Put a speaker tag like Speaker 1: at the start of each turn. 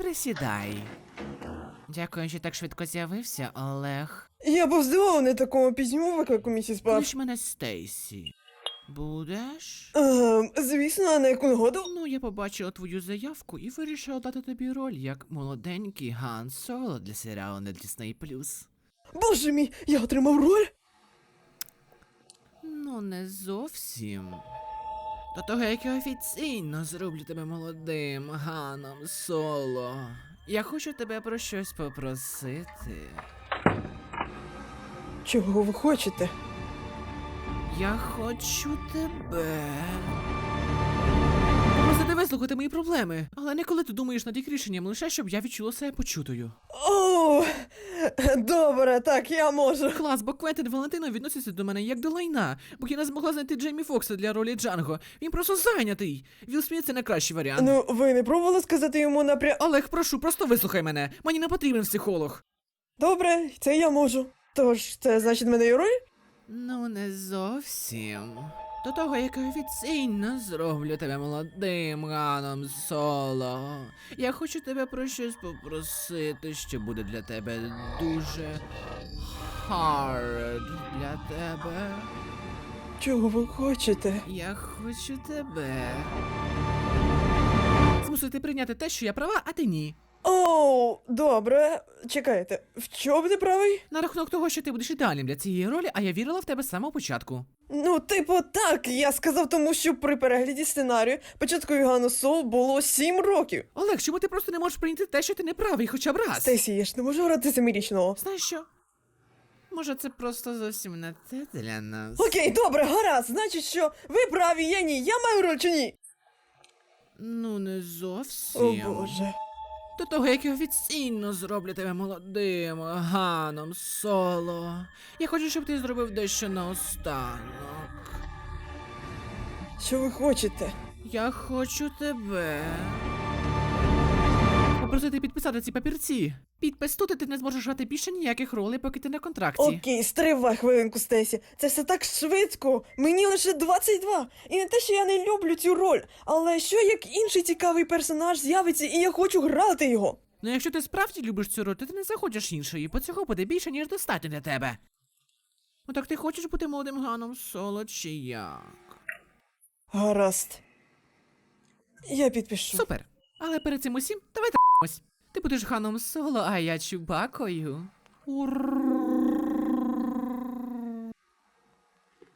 Speaker 1: Присідай. Дякую, що так швидко з'явився, Олег.
Speaker 2: Я був здивований такому пізньому виклику, місіс Пап.
Speaker 1: Клич мене Стейсі. Будеш?
Speaker 2: Звісно, а на яку нагоду?
Speaker 1: Ну, я побачила твою заявку і вирішила дати тобі роль як молоденький Хан Соло для серіалу на Disney+.
Speaker 2: Боже мій, я отримав роль?
Speaker 1: Ну, не зовсім. До того, як я офіційно зроблю тебе молодим Ханом Соло. Я хочу тебе про щось попросити.
Speaker 2: Чого ви хочете?
Speaker 1: Я хочу тебе. Просто вислухати мої проблеми. Але не коли ти думаєш над їх рішенням, лише щоб я відчула себе почутою.
Speaker 2: О, добре, так, я можу.
Speaker 1: Клас, бо Квентин Валентино відноситься до мене як до лайна, бо я не змогла знайти Джеймі Фокса для ролі Джанго. Він просто зайнятий. Вілл Сміт — це найкращий варіант.
Speaker 2: Ну, ви не пробували сказати йому
Speaker 1: Олег, прошу, просто вислухай мене. Мені не потрібен психолог.
Speaker 2: Добре, це я можу. Тож, це значить мене є роль?
Speaker 1: Ну, не зовсім. До того, як я офіційно зроблю тебе молодим Ханом Соло. Я хочу тебе про щось попросити, що буде для тебе дуже hard для тебе.
Speaker 2: Чого ви хочете?
Speaker 1: Я хочу тебе змусити прийняти те, що я права, а ти ні.
Speaker 2: О, добре. Чекайте, в чому ти правий?
Speaker 1: На рахунок того, що ти будеш ідеальним для цієї ролі, а я вірила в тебе з самого початку.
Speaker 2: Ну, типу, так, я сказав тому, що при перегляді сценарію початкові Гану Сол було 7 років.
Speaker 1: Олег, чому ти просто не можеш прийняти те, що ти не правий хоча б раз?
Speaker 2: Стейсі, я ж не можу грати семирічного.
Speaker 1: Знаєш що? Може, це просто зовсім не те для нас.
Speaker 2: Окей, добре, гаразд, значить, що ви праві, я ні, я маю роль чи ні?
Speaker 1: Ну, не
Speaker 2: О,
Speaker 1: зовсім.
Speaker 2: Боже.
Speaker 1: До того, як я офіційно зроблю тебе молодим Ханом Соло. Я хочу, щоб ти зробив дещо наостанок.
Speaker 2: Що ви хочете?
Speaker 1: Я хочу тебе попросити підписати ці папірці. Підпис тут, і ти не зможеш грати більше ніяких ролей, поки ти на контракті.
Speaker 2: Окей, стривай хвилинку, Стесі. Це все так швидко. Мені лише 22. І не те, що я не люблю цю роль, але що як інший цікавий персонаж з'явиться, і я хочу грати його.
Speaker 1: Ну, якщо ти справді любиш цю роль, то ти не захочеш іншої, бо цього буде більше, ніж достатньо для тебе. Ну так ти хочеш бути молодим Ханом Соло чи як?
Speaker 2: Гаразд. Я підпишу.
Speaker 1: Супер. Але перед цим усім давай т***мось. Ти будеш Ханом Соло, а я Чубакою. Ура!